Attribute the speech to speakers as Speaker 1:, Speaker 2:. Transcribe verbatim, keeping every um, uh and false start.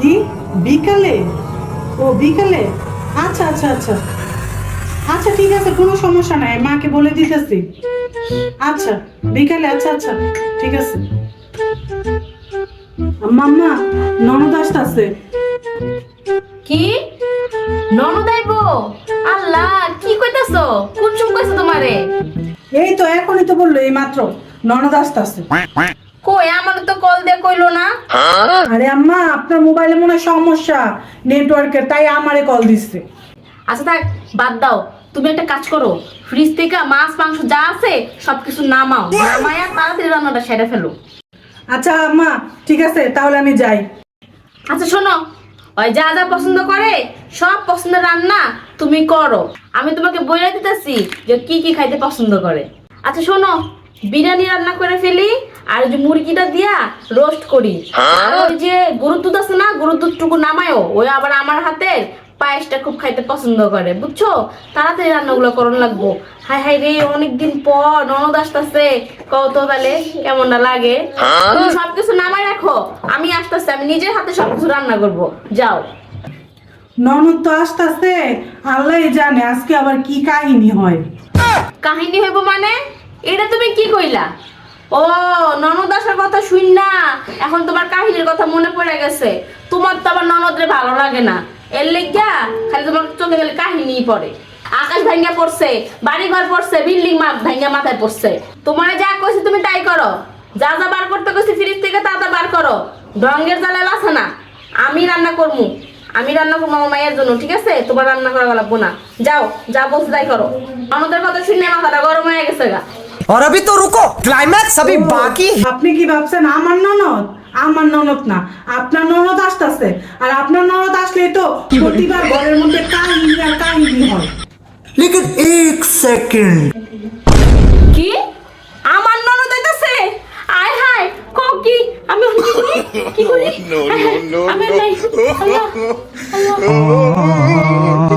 Speaker 1: কি বিকালে? ও বিকালে, আচ্ছা আচ্ছা আচ্ছা আচ্ছা ঠিক আছে, কোনো সমস্যা নাই, মাকে বলে দিতেছি। আচ্ছা বিকালে, আচ্ছা আচ্ছা ঠিক আছে। মাম্মা, ননদ আসতেছে।
Speaker 2: কি ননদ আইবো? আল্লাহ, কি কইতাছো? কোন চুপ কইছো তোমারে?
Speaker 1: এই তো এখনই তো বললো, এই মাত্র ননদ আসতেছে।
Speaker 2: কই, আমার তো কল দিয়ে কইলো না।
Speaker 1: আরে আম্মা, আপনার মোবাইলে মনে হয় সমস্যা নেটওয়ার্কের, তাই আমারে কল দিচ্ছে।
Speaker 2: আচ্ছা থাক, বাদ দাও। তুমি একটা কাজ করো, ফ্রিজ থেকে মাছ মাংস যা আছে সবকিছু নামাও, নামায়া তাড়াতাড়ি রান্নাটা সেরে ফেলো।
Speaker 1: আচ্ছা আম্মা, ঠিক আছে, তাহলে আমি যাই।
Speaker 2: আচ্ছা শোনো, ওই যা যা পছন্দ করে সব পছন্দের রান্না তুমি করো। আমি তোমাকে বলে দিতেছি যে কি কি খাইতে পছন্দ করে। আচ্ছা শোনো, বিরিয়ানি রান্না করে ফেলি, আর ওই যে মুরগিটা দিয়া রোস্ট করি, আর ওই যে গরুর দুধ আছে না, গরুর দুধটুকু নামায়ও, ওই আবার আমার হাতের পায়েসটা খুব খাইতে পছন্দ করে, বুঝছো? তাড়াতাড়ি রান্নাগুলো করন লাগবো। হাই হাই রে, অনেকদিন পর ননদ আসতেছে, কত তাহলে কেমনটা লাগে। তুমি সবকিছু নামাই রাখো, আমি আসতেছি, আমি নিজের হাতে সবকিছু রান্না করব। যাও।
Speaker 1: ননদ তো আসতেছে, আল্লাহ জানে আজকে আবার কি কাহিনী হয়।
Speaker 2: কাহিনী হইব মানে? এটা তুমি কি কইলা? ও, ননদ আসার কথা শুন না এখন তোমার কাহিনীর কথা মনে পড়ে গেছে। তোমার তো আবার ননদরে ভালো লাগে না, এর লেগা খালি তোমার চোখে গেলে কাহিনী পড়ে। আকাশ ভাঙ্গা পড়ছে, বাড়ি ঘর পড়ছে, বিল্ডিং ভাঙ্গা মাথায় পড়ছে। তোমারে যা কইছি তুমি তাই করো, যা যা বার করতে কইছি ফ্রিজ থেকে তা তা বার করো। ডঙ্গের জ্বালা আছে না, আমি রান্না করবো, আমি রান্না করবো আমার মায়ের জন্য, ঠিক আছে? তোমার রান্না করা লাগবো না। যাও, যা বলছে তাই করো। আমাদের কথা শুনে মাথাটা গরম হয়ে গেছে গা।
Speaker 3: और अभी तो रुको, क्लाइमैक्स अभी बाकी है।
Speaker 1: আপনি কি ভাবছেন আমার ননদ? আমার ননদ না, আপনার ননদ আসতেছে। আর আপনার ননদ আসলে তো প্রতিবার ঘরের মধ্যে কাহিনী আর কাহিনী হয়।
Speaker 3: लेकिन एक सेकंड,
Speaker 2: কি আমার ননদ আইতাছে? আয় হায়, কও কি? আমি কি করি? কি করি?
Speaker 4: No, no, no,
Speaker 2: আমি
Speaker 4: no.
Speaker 2: নাই। আল্লাহ, আল্লাহ।